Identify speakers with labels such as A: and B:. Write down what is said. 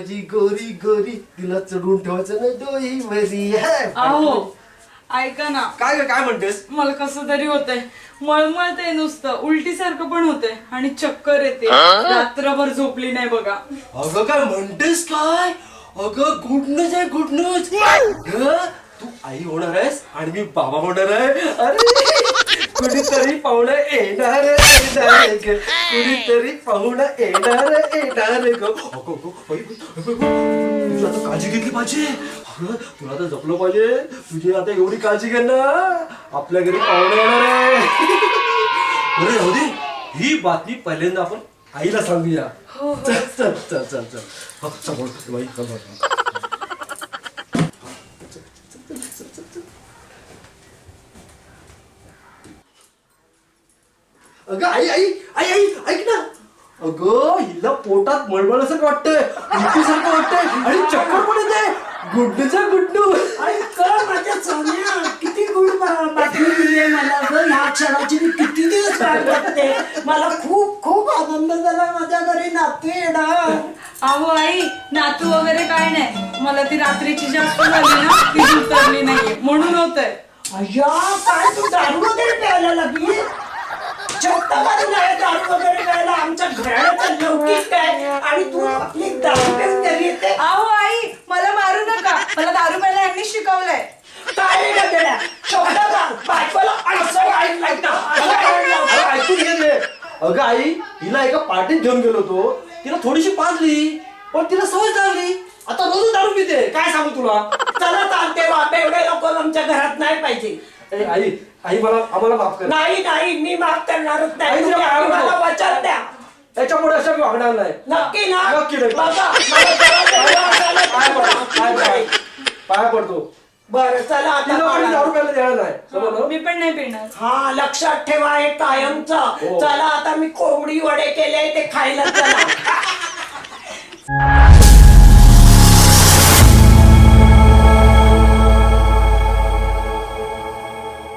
A: माझी गोरी गोरी तिला चढून ठेवायचं नाही डोई भरी.
B: अहो ऐका ना.
A: काय म्हणतेस?
B: मला कसं तरी होतंय, मळमळतंय नुसतं, उलटी सारखं पण होतंय आणि चक्कर येते. रात्रभर झोपली नाही बघा.
A: अगं काय म्हणतेस काय? अगं गुड न्यूज आहे, गुड न्यूज. तू आई होणार आहेस आणि मी बाबा होणार आहे. अरे कुणीतरी पाहुणा येणार कुणीतरी पाहुणा येणार ग. तुला आता काळजी घेतली पाहिजे. तुला आता जपलं पाहिजे. तुझी आता एवढी काळजी घे ना, आपल्या घरी पाहुणा येणार आहे. अरे राहू दे, ही बातमी पहिल्यांदा आपण आईला सांगूया. चल चल चल चल चल चल बाई चल. अगं आई आई आई आई ऐक ना. अगं हिला पोटात मळमळासारखं वाटतंय, उलटीसारखं वाटतंय आणि चक्कर पण येते. गुड्डूचा गुड्डू.
C: माझ्या सोन्या किती गुड बातमी दिली आहे मला. ह्या क्षणाची मी किती दिवस वाट बघते. मला खूप खूप आनंद झाला. माझ्या घरी नातू येणार.
B: अहो आई, नातू वगैरे काय नाही, मला ती रात्रीची जास्त झाली ना, ती उतरली नाहीये म्हणून होतंय.
C: अय्या काय तू दारू वगैरे प्यायला लागली? चक्क मारून आहे दारू वगैरे प्यायला. आमच्या घराण्याचं लौकिक काय आणि तू आपली दारू पिऊन घरी येते.
B: अहो आई, मला मारू नका, मला दारू प्यायला यांनी शिकवलंय.
C: काय का देण्या शब्द बायकोला असं ऐकलं ना.
A: ऐकून घे रे. अगं आई, हिला एका पार्टीत घेऊन गेलो होतो. तिला थोडीशी पाजली पण तिला सवय झाली. आता रोज दारू पिते. काय सांगू तुला.
C: चला चालते बाप, एवढे लोक आमच्या घरात नाही पाहिजे.
A: आई आई मला आम्हाला माफ कर.
C: नाही नाही मी माफ करणारच नाही.
A: आई,
C: तुम्ही
A: तुला
C: मला वचन द्या.
A: त्याच्यामुळे असं मी वागणार नाही.
C: नक्की ना.
A: नक्की नाही.
C: बघा, मला जरा
A: पाया पडतो.
C: बरं चला आता
A: दारू प्यायला देणार नाही. समजलं?
B: मी पण नाही पिणार.
C: हा लक्षात ठेवा हे कायमचं. चला आता मी कोंबडी वडे केले ते खायला चला.